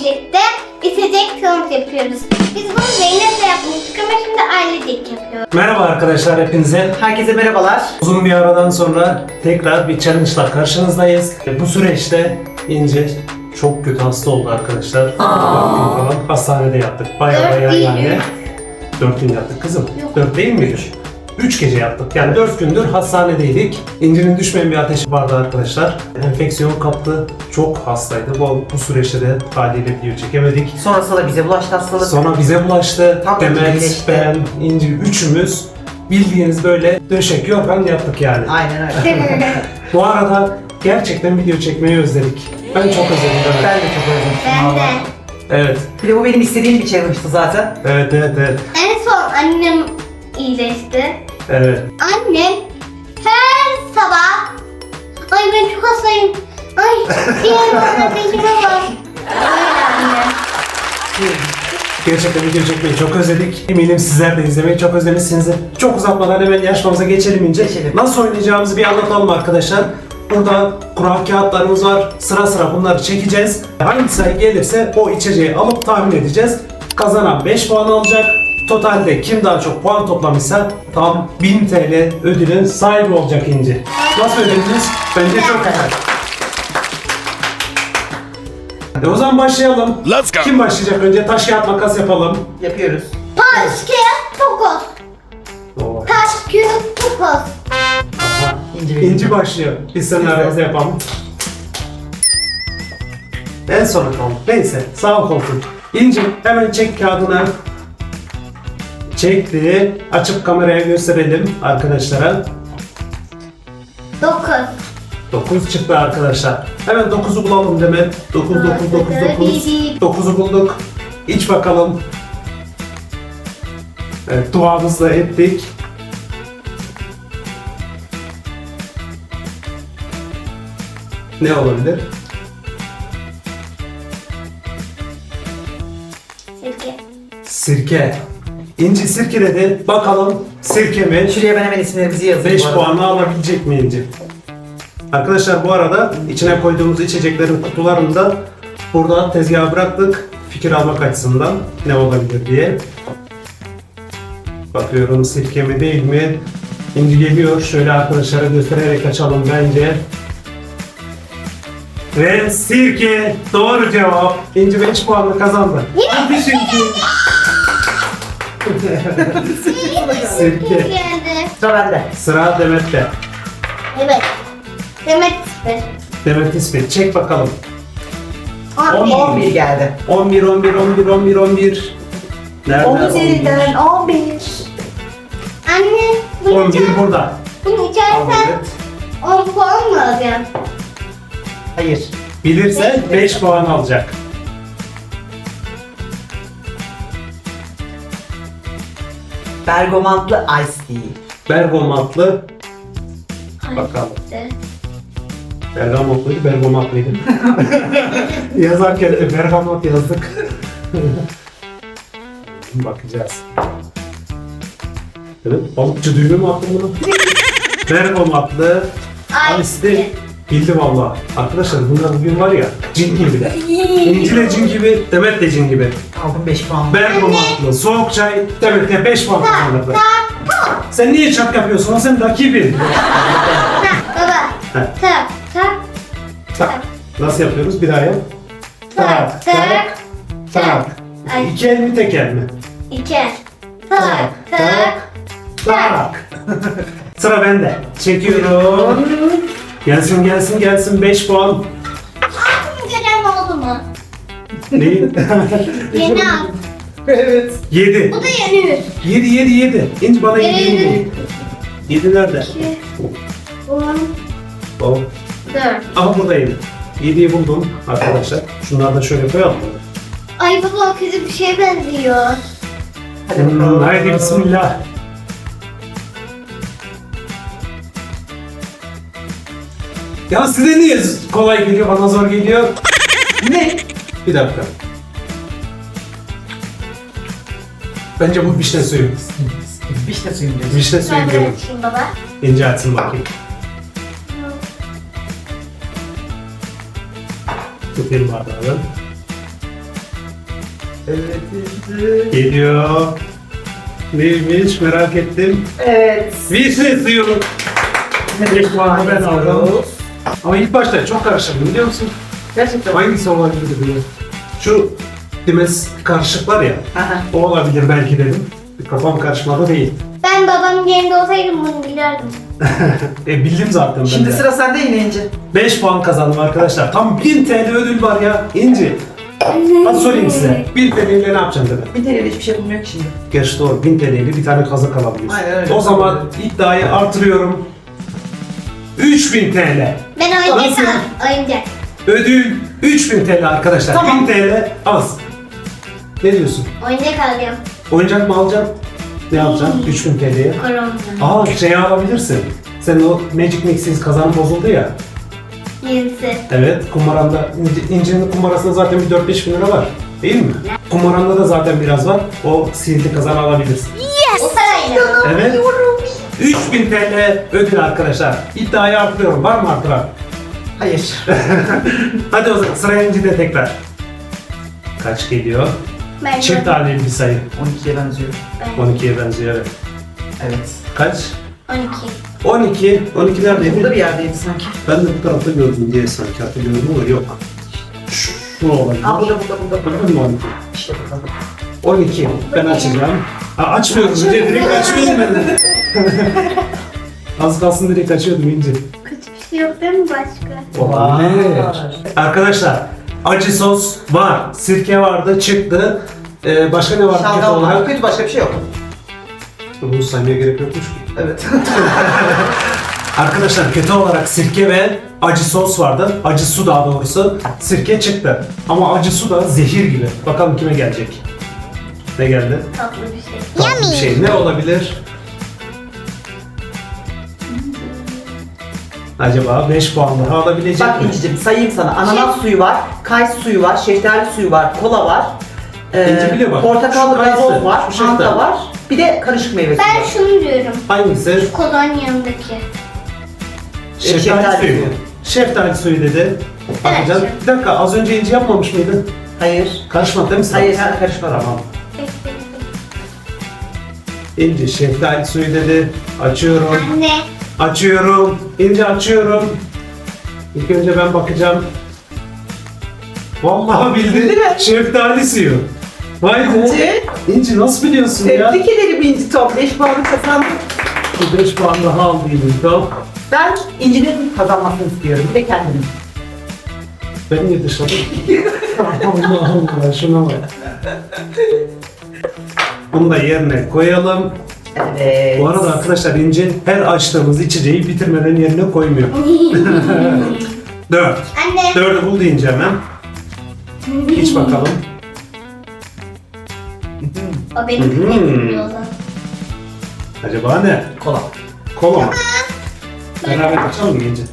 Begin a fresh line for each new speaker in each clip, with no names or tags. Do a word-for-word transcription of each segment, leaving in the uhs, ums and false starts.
birlikte içecek tanıt yapıyoruz. Biz bunu Zeynep'le yapmıştık ama şimdi ailecek yapıyoruz.
Merhaba arkadaşlar hepinize.
Herkese merhabalar.
Uzun bir aradan sonra tekrar bir challenge'la karşınızdayız. Bu süreçte İnce çok kötü hasta oldu arkadaşlar. dört gün falan hastanede yattık. Bayağı
Dört
bayağı
değil
yani.
mi?
dört gün yattık kızım.
Yok.
dört değil mi? üç. üç gece yattık. Yani dört gündür hastanedeydik. İnci'nin düşmeyen bir ateşi vardı arkadaşlar. Enfeksiyon kaptı. Çok hastaydı. Bu, bu süreçte de haliyle video çekemedik.
Sonrasında da bize bulaştı hastalık.
Sonra bize bulaştı.
Tam
Demet,
iyileşti.
ben, İnci üçümüz bildiğiniz böyle döşek yorgan yaptık yani.
Aynen öyle.
Bu arada gerçekten video çekmeyi özledik. Ben çok özledim. Evet.
Ben de çok özlemiştim
Ben de.
valla.
Evet.
Bir de bu benim istediğim bir challenge'tı zaten.
Evet, evet, evet.
En son annem iyileşti.
Evet.
Annem her sabah ay ben çok hastayım. Ay diğer ateşime var. Öyle anne.
Gerçekten video çekmeyi çok özledik. Eminim sizler de izlemeyi çok özlemişsinizdir. Çok uzatmadan hemen yarışmamıza geçelim İnce.
Geçelim.
Nasıl oynayacağımızı bir anlatalım arkadaşlar. Burada kura kağıtlarımız var. Sıra sıra bunları çekeceğiz. Hangi sayı gelirse o içeceği alıp tahmin edeceğiz. Kazanan beş puan alacak. Totalde kim daha çok puan toplamışsa tam bin T L ödülün sahibi olacak İnci. Nasıl ödülünüz? Bence çok güzel. E o zaman başlayalım.
Let's go.
Kim başlayacak önce? Taş kağıt makas yapalım.
Yapıyoruz.
Taş kağıt tokoz.
Oo.
Taş kağıt tokoz.
İnci benim.
İnci başlıyor. Biz seninle aramızda yapalım. En sona kaldık. Neyse. Sağ ol koltuğum. İnci hemen çek kağıdını. Çekti. Açıp kameraya gösterelim arkadaşlara.
Dokuz.
dokuz çıktı arkadaşlar. Hemen dokuzu bulalım Demet. dokuz, dokuz, dokuz, dokuz. dokuzu bulduk. İç bakalım. Evet, duamızı da ettik. Ne olabilir?
Sekiz.
Sirke. İnci sirke dedi. Bakalım sirke mi?
Şuraya ben hemen isimlerimizi yazayım.
beş
bu arada.
puanı alabilecek mi İnci? Arkadaşlar bu arada içine koyduğumuz içeceklerin kutularını da burada tezgaha bıraktık. Fikir almak açısından ne olabilir diye. Bakıyorum sirke mi değil mi? İnci geliyor. Şöyle arkadaşlara göstererek açalım bence. Ve sirke doğru cevap. İnci beş puanla kazandı. Hadi şimdi. Sirke.
Geldi.
Sıra bende.
Sıra Demet'te.
Evet. Demet sıfır.
Demet İsmet. Çek bakalım.
On bir.
on bir geldi.
on bir, on bir, on bir, on bir, on bir. Nerede?
on üzerinden on bir.
Anne bunu,
on bir
içer,
burada.
bunu
Al
içersen
Demet.
on puan mı alacağım?
Hayır.
Bilirse beş puan alacak.
Bergamotlu Ice Tea.
Bergamatlı. Bakalım. Bergamotluydu, Bergamatlıydı. Yazarken de Bergamot yazdık. Bakacağız. Evet, balıkçı düğümü mü attın bunu? Bergamatlı.
Ay.
Ice bildi valla. Arkadaşlar bunlar bugün var ya cin gibiler. İnci de cin gibi, Demet de cin gibi.
Aldım beş puan.
Bergamatlı, soğuk çay, Demet de beş puan kazandı. Sen niye çak yapıyorsun? O senin rakibin.
Tak baba.
Heh.
Tak tak
Tak. Nasıl yapıyoruz? Bir daha yap.
tak tak
tak.
Ay.
İki el mi tek el mi?
İki. Tak tak
tak. Sıra bende. Çekiyorum. Gelsin gelsin gelsin beş puan.
Altın gelen oldu mu?
Neyin?
Yeni al.
Evet.
Yedi.
Bu da yeni.
Yedi yedi yedi. İnci bana yedi
Yedi.
yedi. Yedi nerede?
İki. On.
O.
Dört.
Aha burada yedi. Yediyi buldum arkadaşlar. Şunları da şöyle koyalım.
Ay baba o kötü bir şeye benziyor.
Hadi
Hmm,
bakalım.
haydi bismillah. Ya size niye kolay geliyor, bana zor geliyor?
Ne?
Bir dakika. Bence bu vişne suyu.
Vişne suyu diyorsun.
Vişne suyu
Ben de
diyorum.
açayım baba.
İnce açsın bakayım. Tutayım bardağı.
Evet İnci.
Geliyor. Neymiş merak ettim.
Evet.
Vişne suyu. beş puanı ben aldım. Ama ilk başta çok karıştırdım biliyor musun?
Gerçekten.
Hangisi olabilir diye. Şu dimez karışık var ya.
Aha.
O olabilir belki dedim. Kafam karışmadı değil.
Ben babamın yerinde olsaydım bunu bilirdim.
E bildim zaten ben
Şimdi
de.
sıra sende yine İnci.
beş puan kazandım arkadaşlar. Tam bin T L ödül var ya. İnci. Hadi sorayım size. bin T L ile ne yapacaksın dedi.
Bir T L'de hiçbir şey bulmuyor ki şimdi.
Gerçi doğru. bin T L ile bir tane kazak alabiliyorsun.
Aynen öyle.
O zaman iddiayı artırıyorum. üç bin T L.
Ben oyuncak
Nasıl?
al. Oyuncak.
Ödül üç bin T L arkadaşlar.
Tamam.
bin T L az. Ne diyorsun?
Oyuncak alıyorum.
Oyuncak mı alacaksın? Ne yapacaksın? üç bin T L'ye.
Korona.
Aa şey alabilirsin. Senin o Magic Mix'in kazanı bozuldu ya.
Yenisi.
Evet, kumaranda, İnci- İnci'nin kumarasında zaten bir dört beş bin lira var. Değil mi? Kumaranda da zaten biraz var. O sihirli kazanı alabilirsin.
O parayla.
Evet. üç bin T L ödül arkadaşlar. İddiayı artırıyorum. Var mı artıran?
Hayır.
Hadi o zaman sıra İnci'de tekrar. Kaç geliyor?
Ben
Çift taneli bir sayı.
on ikiye benziyor.
Ben
on ikiye benziyor evet.
Evet.
Kaç?
on iki.
on iki. on iki
Burada bir
neredeydi?
yerdeydi sanki.
Ben de bu tarafta gördüm diye sanki hatırlıyorum ama yok. Şu, şu olabilir.
Aa burada burada burada.
Gördün mü on iki?
İşte burada.
on iki. Ben açacağım. Aa, açmıyorum. Direkt, direkt açmıyorum ben de. Az kalsın direkt açıyordum İnci.
Kötü bir şey yok değil mi başka?
Olabilir.
Var.
Arkadaşlar acı sos var. Sirke vardı çıktı. Ee, başka ne var kötü
Şalgam var.
olarak?
Kötü başka bir şey yok.
Bunu saymaya gerek yokmuş ki.
Evet.
Arkadaşlar kötü olarak sirke ve acı sos vardı. Acı su daha doğrusu. Sirke çıktı. Ama acı su da zehir gibi. Bakalım kime gelecek. Ne geldi?
Tatlı bir şey.
Tatlı bir şey. Ne olabilir? Acaba beş puan daha alabilecek
Bak
mi?
İnci'cim sayayım sana. Ananas suyu var, kayısı suyu var, şeftali suyu var, kola var.
İnci biliyor bak.
Portakallı
Şu kayısı,
gazoz var,
şu şeftali.
fanta var. Bir de karışık meyve suyu
Ben
var.
şunu diyorum.
Hangisi?
Kolon yanındaki.
Şeftali,
şeftali
suyu.
suyu.
Şeftali suyu dedi. Bakacağız.
Evet.
Bir dakika az önce inci yapmamış mıydın?
Hayır.
Karışmadı değil mi sen?
Hayır, sen karışma.
Tamam.
Peki, peki.
İnci şeftali suyu dedi. Açıyorum.
Anne.
Açıyorum. İnci açıyorum. İlk önce ben bakacağım. Vallahi bildi.
Bildi mi?
Şeftali suyu. Vay be.
İnci,
İnci nasıl biliyorsun ya?
tebrik ederim İnci Top. beş puanı kazandın.
beş puan daha aldı İnci. Tamam.
Ben İnci'nin kazanmasını istiyorum. Bir de kendimin.
Ben niye dışarı? Allah Allah şuna bak. Bunu da yerine koyalım.
Evet.
Bu arada arkadaşlar İnci her açtığımız içeceği bitirmeden yerine koymuyor. Dört.
Anne.
Dördü buldu İnci hemen. İç bakalım.
O benim
Hmm.
kıymetim o zaman.
Acaba ne?
Kola.
Kola mı? Beraber açalım mı İnci?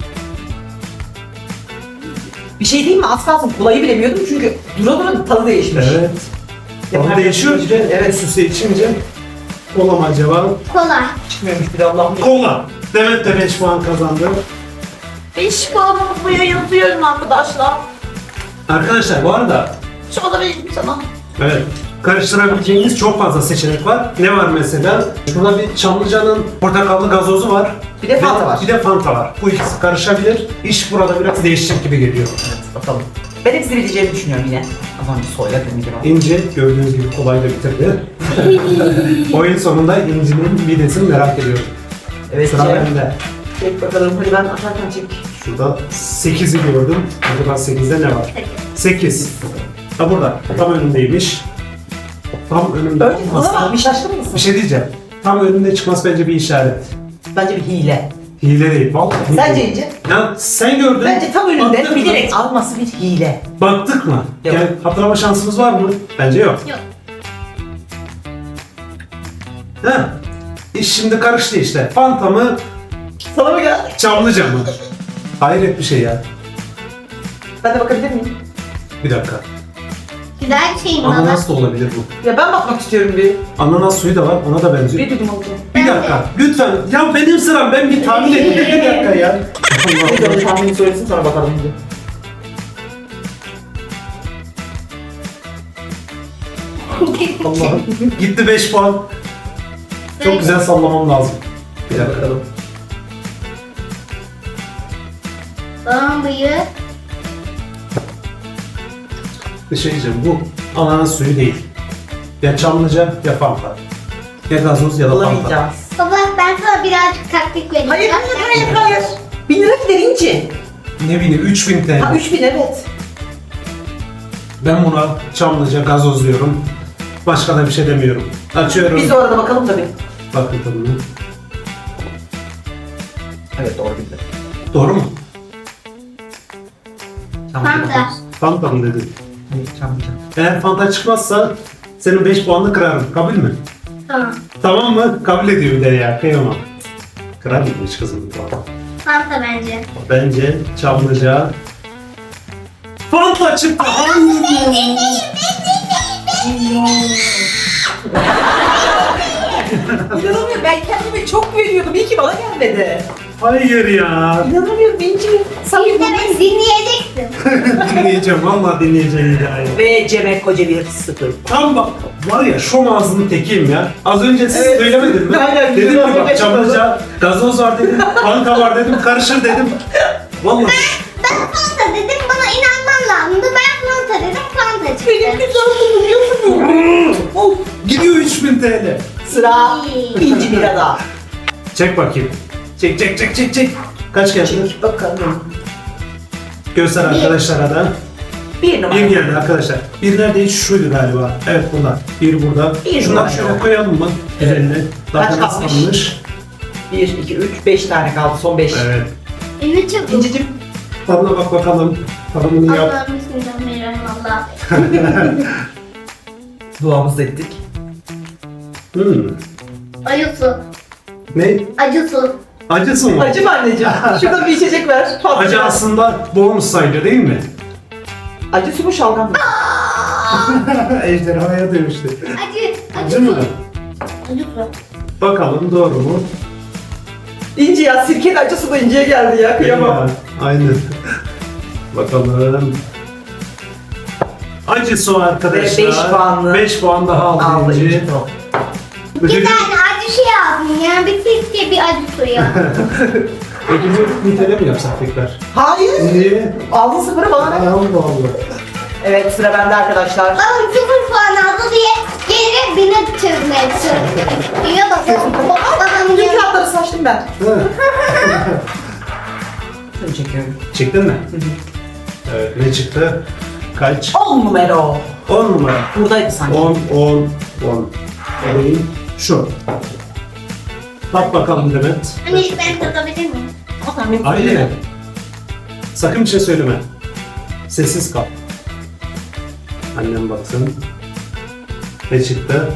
Bir şey değil mi? Az kalsın kolayı bilemiyordum çünkü dura dura tadı değişmiş.
Evet. Tadı değişiyor bir de evet süsü içince. Kola mı acaba?
Kola.
Çıkmıyormuş bir de Allah'ım.
Kola. Demet de beş puan kazandı.
beş puanımı buraya yazıyorum arkadaşlar.
Arkadaşlar bu arada
Şurada vereyim sana.
evet karıştırabileceğiniz çok fazla seçenek var. Ne var mesela? Şurada bir Çamlıca'nın portakallı gazozu var.
Bir de Fanta
Ve
var.
Bir de Fanta var. Bu ikisi karışabilir. İş burada biraz değişecek gibi geliyor.
Evet bakalım. Ben hepsini bileceğimi düşünüyorum yine. Az önce söyledim gibi.
İnci gördüğünüz gibi kolay da bitirdi. Oyun sonunda İnci'nin midesini merak ediyorum.
Evet.
Sıra
Cem.
bende.
Çek bakalım. Hadi ben atarken çek.
Şurada sekizi gördüm. Acaba sekizde ne var? sekiz. Ha burada. Tam önündeymiş. Tam önümde
Önce
olması.
sana bir şaşkın mısın?
Bir şey diyeceğim. Tam önünde çıkması bence bir işaret.
Bence bir hile.
Hile değil. Vallahi
Sence
değil.
İnci?
Ya sen gördün.
Bence tam önünde
Baktık mı?
bilerek alması bir hile.
Baktık mı?
Yok.
Yani hatırlama şansımız var mı? Bence yok.
Yok.
Ha. İş şimdi karıştı işte. Fanta mı?
Sana mı geldi?
Çamlıca mı? Hayret bir şey ya.
Ben de bakabilir miyim?
Bir dakika.
Güzel bir şey mi baba?
Ananas da olabilir bu.
Ya ben bakmak istiyorum bir.
Ananas suyu da var. Ona da benziyor.
Bir duydum alacağım.
Bir dakika. Lütfen. Ya benim sıram. Ben bir tahmin edeyim. Bir dakika ya.
Bir de tahmini söylesin sonra bakalım İnci.
Allah'ım. Gitti beş puan. Çok güzel sallamam lazım. Bir dakika.
Bakalım.
Babam bıyığı.
Bir şey diyeceğim. Bu ananas suyu değil. Ya Çamlıca ya Fanta. Ya gazoz ya da Fanta.
Bulamayacağız.
Baba ben sana birazcık taktik vereyim.
Hayır hayır hayır hayır. Bin lira gider İnci.
Ne bileyim üç bin T L.
Ha üç bin evet.
Ben buna Çamlıca gazoz diyorum. Başka da bir şey demiyorum. Açıyorum.
Biz de orada bakalım tabii.
Bakın tadına.
Evet doğru bildi.
Doğru mu?
Fanta.
Fanta mı dedin?
Hayır Çamlıca.
Eğer Fanta çıkmazsa senin beş puanını kırarım. Kabul mü?
Tamam.
Tamam mı? Kabul ediyor bir de ya. Kıyamam. Kırar mıymış kızım?
Fanta bence.
Bence Çamlıca. Fanta çıktı. Hayır.
İnanamıyorum ben kendime çok güveniyordum. İyi ki bana gelmedi.
Hayır ya.
İnanamıyorum İnci. Sen
Biz de beni dinleyeceksin.
Dinleyeceğim. Vallahi dinleyeceğim hikayeyi.
Ve Cem Koca bir sıfır.
Tam bak var ya şom ağzının tekiyim ya. Az önce siz
Evet.
söylemedin mi?
Aynen,
Dedim
bizim
ki bak
ağzına
Çamlıca, gazoz var dedim, Fanta var dedim, karışır dedim. Vallahi
Ben Fanta dedim bana inanman lazımdı. Ben Fanta dedim Fanta çıktı.
Benim güzel biliyor musun? Of.
gidiyor üç bin T L.
Sıra İnci Mira'da.
Çek bakayım. Çek çek çek çek çek. Kaç geldi?
Çek bakalım.
Göster arkadaşlara da.
Bir numara.
Bir geldi arkadaşlar. Bir neredeydi? Şuydu galiba. Evet burada. Bir burada.
Bir
Şunları
numara.
şöyle koyalım mı? Üzerine. Daha
Kaç
da
kalmış?
kalmış.
Bir, iki, üç, beş tane kaldı. Son beş.
Evet.
Ünlü çabuk.
İncicim.
Tadına bak bakalım. Tadımını yap.
Allah'ım bismillahirrahmanirrahim.
Duamızı ettik.
Hmm.
Acı su.
Ne?
Acı su.
Acısı mı?
Acı mı anneciğim? Şurada bir içecek ver. Tatlı.
Acı aslında bonus sayılır değil mi?
Acı su mu şalgam mı?
Ejderhaya dönüştü.
Acı. Acı
Acı
su.
mı?
Acı su.
Bakalım doğru mu?
İnci ya sirkeli acı su da İnci'ye geldi ya. Kıyamam.
Ya, aynen. Bakalım. Acı su arkadaşlar.
Ve beş puanlı.
beş puan daha aldı
Aldı
İnci.
İnci.
Bir
Ödülü,
tane acı şey aldım ya. Bir sirke bir acı suyu.
ödülü nitele mi yapsak tekrar?
Hayır.
Niye?
Aldın sıfırı bana ne?
Allah Allah.
Evet sıra bende arkadaşlar.
Babam sıfır puan aldı diye geri bine çözmeye çalışıyor. Diyor bakalım. Babam
Bütün
diyor.
kağıtları saçtım ben.
Ha,
Seni çekiyorum.
çektin mi? Evet ne çıktı? Kaç?
On numara.
on numara.
Buradaydı sanki.
on, on, on. Alayım. Şu. Bak bakalım Demet.
Anne ben tadabilir miyim?
Aynen. Sakın bir şey söyleme. Sessiz kal. Annem baksın. Ne çıktı?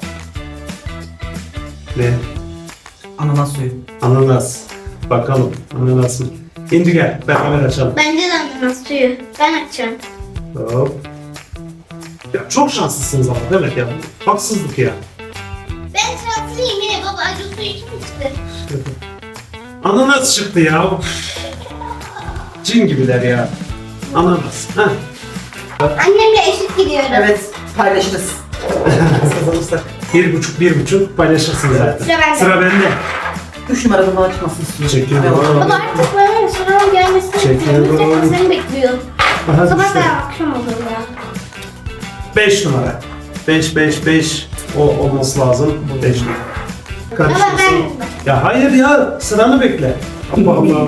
Ne?
Ananas suyu.
Ananas. Bakalım. Ananas mı? İnci gel. Beraber açalım.
Bence de ananas suyu. Ben açacağım.
Hop. Ya çok şanslısınız ama Demet ya. Haksızlık ya.
Ben şanslıyım yine baba acı suyu kim içti?
Ananas çıktı ya. Cin gibiler ya. Ananas. Heh.
Annemle eşit gidiyoruz.
Evet paylaşırız. Kazanırsak.
Bir buçuk, bir buçuk paylaşırsınız zaten.
Sıra bende.
Sıra bende.
Üç numaradan daha çıkmasını istiyorum.
Çekiyorum.
Baba artık bana sıranın gelmesini
Çekiyorum.
bekliyorum. Seni bekliyor.
Aha,
Sabah
düştü.
da akşam olur ya.
beş numara. beş, beş, beş. O olması lazım. beş numara. Karıştırsın.
Ama ben-
Ya hayır ya. Sıranı bekle. Allah Allah.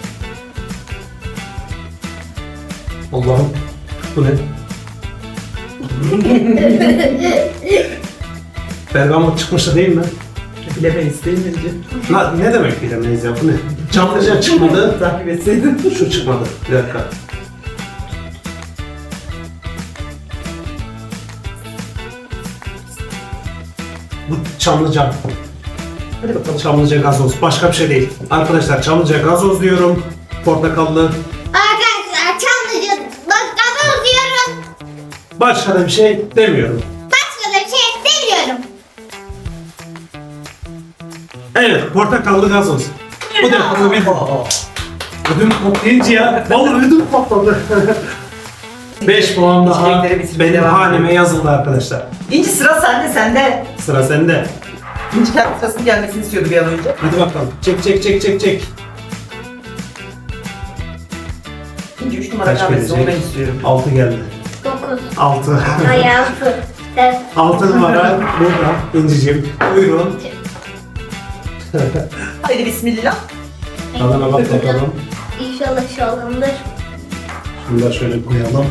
Allah'ım. Bu ne? Bergamot çıkmıştı değil mi?
Bilemeyiz değil mi İnci?
La, ne demek bilemeyiz ya bu ne? Çamlıca çıkmadı.
Takip etseydin.
Şu çıkmadı. Bir dakika. Bu Çamlıca.
Hadi bakalım.
Çamlıca gazoz. Başka bir şey değil. Arkadaşlar Çamlıca gazoz diyorum. Portakallı.
Arkadaşlar Çamlıca bak gazoz diyorum.
Başka da bir şey demiyorum.
Başka da bir şey demiyorum.
Evet, portakallı gazoz. Bu defa bir
Oo.
ödüm patlayınca ya. Vallahi ödüm patladı. beş puan daha
İçecekleri bitirmeye
benim
devam
haneme
edelim.
yazıldı arkadaşlar.
İnci sıra sende sende.
Sıra sende.
İnci kendi sırasının gelmesini istiyordu bir an önce.
Hadi bakalım. Çek çek çek çek çek.
İnci üç numara
Kaç
gelmesi onu ben
gelecek?
istiyorum.
altı geldi.
Dokuz.
altı.
Ayağı fır. Dört.
altı numara burada. İnciciğim. Buyurun.
Haydi bismillah.
Tadına bak bakalım.
İnşallah şalgamdır.
Şunu da şöyle koyalım.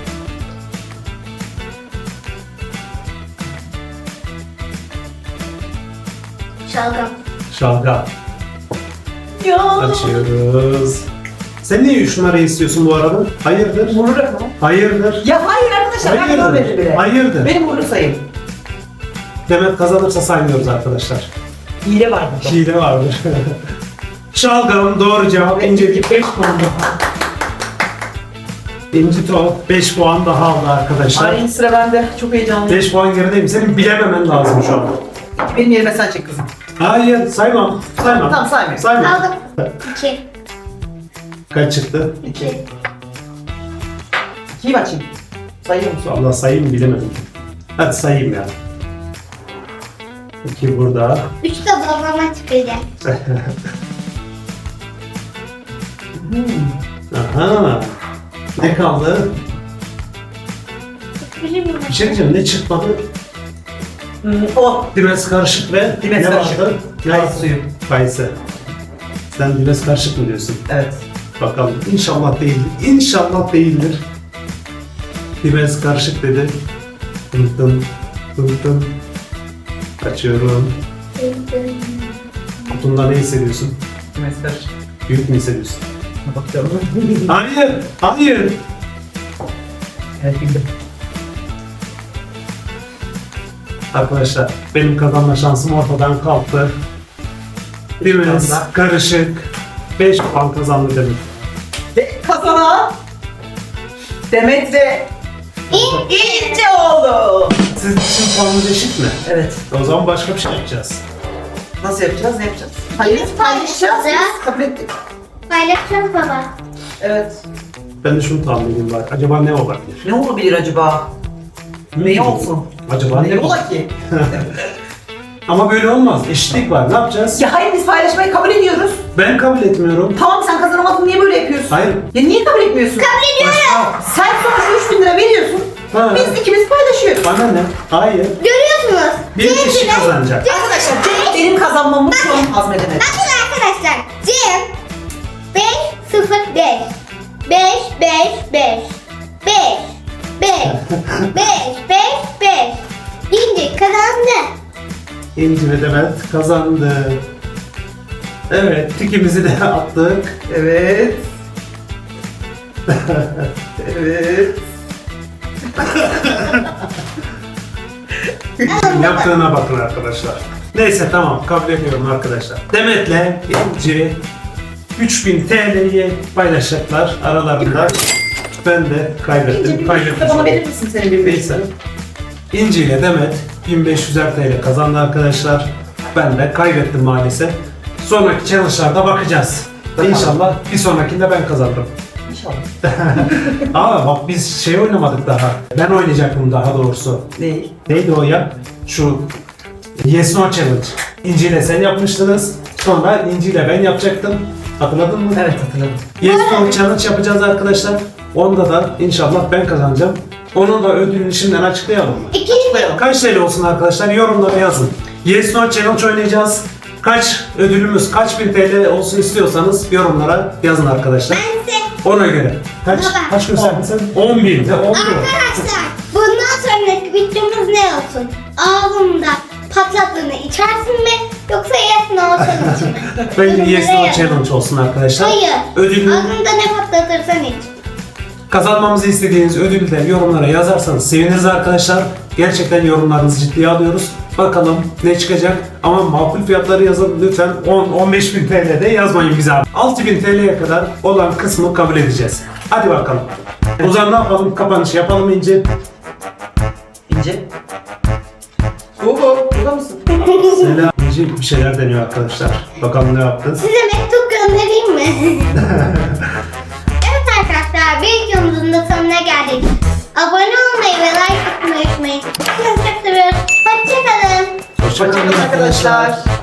Şalgam.
Şalgam.
Ya.
Açıyoruz. Sen niye üç numarayı istiyorsun bu arada? Hayırdır?
Uğurlu rakamı.
Hayırdır?
Ya hayır arkadaşlar ben
Hayırdır?
görmedim bile.
Hayırdır?
Benim uğurlu sayım.
Demet kazanırsa saymıyoruz arkadaşlar.
Hile var burada.
Hile vardır. Şalgam doğru cevap. İncelik beş puan daha. İnci Top beş puan daha aldı arkadaşlar.
Aynı sıra bende. Çok heyecanlıyım.
beş puan gerideyim. Senin bilememen lazım şu an.
Benim yerime sen çek kızım.
Hayır saymam. Saymam.
Tamam, saymıyorum.
Saymam.
Aldım. İki.
Kaç çıktı?
İki. İkiyi açayım. Sayıyor musun?
Allah sayayım bilemedim. Hadi sayayım ya. İki burada.
Üç de babama çıkacak.
Aha. Ne kaldı?
Bilir miyim?
Bir şey diyeceğim. Ne çıkmadı?
Hmm, o.
Dimes karışık ve
Dimes
ne
karışık.
vardı?
Kayısı suyu.
Kayısı. Sen dimes karışık mı diyorsun?
Evet.
Bakalım. İnşallah değildir. İnşallah değildir. Dimes karışık dedi. Tım tım. Tım tım. Açıyorum. Kutunda ne hissediyorsun?
Mesaj.
Büyük mü hissediyorsun?
Bakıyorum.
Hayır. Hayır.
Evet bildim.
Arkadaşlar benim kazanma şansım ortadan kalktı. Dimes
puanla.
karışık. beş puan kazandı demek.
Ve kazanan Demet ve İnci oldu.
Sizin için puanınız eşit mi?
Evet.
O zaman başka bir şey yapacağız.
Nasıl yapacağız? Ne yapacağız? Hayır,
Biz
paylaşacağız.
paylaşacağız.
Biz kabul ettik.
Paylaşacağız baba.
Evet.
Ben de şunu tahmin edeyim var. Acaba ne olabilir?
Ne olabilir acaba? Ne olsun?
Acaba
Ne
ne
ola ki?
Ama böyle olmaz. Eşitlik var. Ne yapacağız?
Ya hayır biz paylaşmayı kabul ediyoruz.
Ben kabul etmiyorum.
Tamam sen kazanamadın niye böyle yapıyorsun?
Hayır.
Ya niye kabul etmiyorsun? Kabul
Başka.
Sen sonuçta üç bin lira veriyorsun.
Ha.
Biz ikimiz paylaşıyoruz.
Bana ne? Hayır.
Görüyorsunuz.
Bir kişi
Cem'le-
kazanacak.
Arkadaşlar Demet benim kazanmamı şu an hazmedemedi.
Bakın arkadaşlar. Cem beş sıfır beş. beş beş beş. beş beş. beş beş beş. İnci kazandı.
İnci ve Demet kazandı. Evet. Tikimizi de attık.
Evet. Evet.
Yaptığına bakın arkadaşlar. Neyse tamam. Kabul ediyorum arkadaşlar. Demet'le İnci üç bin T L'yi paylaşacaklar aralarında. Ben de
İnci
kaybettim.
bir
Kaybettim.
buçukta bana verir misin senin bir
Neyse. İnci ile Demet bin beş yüzer T L kazandı arkadaşlar. Ben de kaybettim maalesef. Sonraki challenge'larda bakacağız.
Bakalım.
İnşallah bir sonrakinde ben kazanırım.
İnşallah.
Aa bak biz şey oynamadık daha. Ben oynayacaktım daha doğrusu.
Değil.
Neydi o ya? Şu Yes No Challenge. İnci ile sen yapmıştınız. Sonra İnci ile ben yapacaktım. Hatırladın mı?
Evet hatırladım.
Yes No Challenge yapacağız arkadaşlar. Onda da inşallah ben kazanacağım. Onun da ödülünü şimdiden açıklayalım mı?
İkinci
Kaç T L olsun arkadaşlar? Yorumlara yazın. Yes No Challenge oynayacağız. Kaç ödülümüz, kaç bin T L olsun istiyorsanız yorumlara yazın arkadaşlar.
ben size
Ona göre. Kaç,
Baba.
kaç gösterdin sen? on bin. Ne oldu?
arkadaşlar bundan sonraki videomuz ne olsun? Ağzımda patladığını içersin mi yoksa yes no challenge mi?
Bence Yes No
Yorumlara yazın.
Challenge olsun arkadaşlar.
Hayır.
Ödülü,
Ağzında ne patlatırsan iç.
kazanmamızı istediğiniz ödülü de yorumlara yazarsanız seviniriz arkadaşlar. Gerçekten yorumlarınızı ciddiye alıyoruz. Bakalım ne çıkacak ama makul fiyatları yazın lütfen. on on beş bin T L'de yazmayın bize abi. altı bin T L'ye kadar olan kısmı kabul edeceğiz. Hadi bakalım. O zaman ne yapalım? Kapanışı yapalım İnci.
İnce. Oho, burada mısın?
Selam. İnci bir şeyler deniyor arkadaşlar. Bakalım ne yaptı?
Size mektup göndereyim mi? Evet arkadaşlar bir videomuzun da sonuna geldik.
Hoşçakalın
Hoşçakalın arkadaşlar.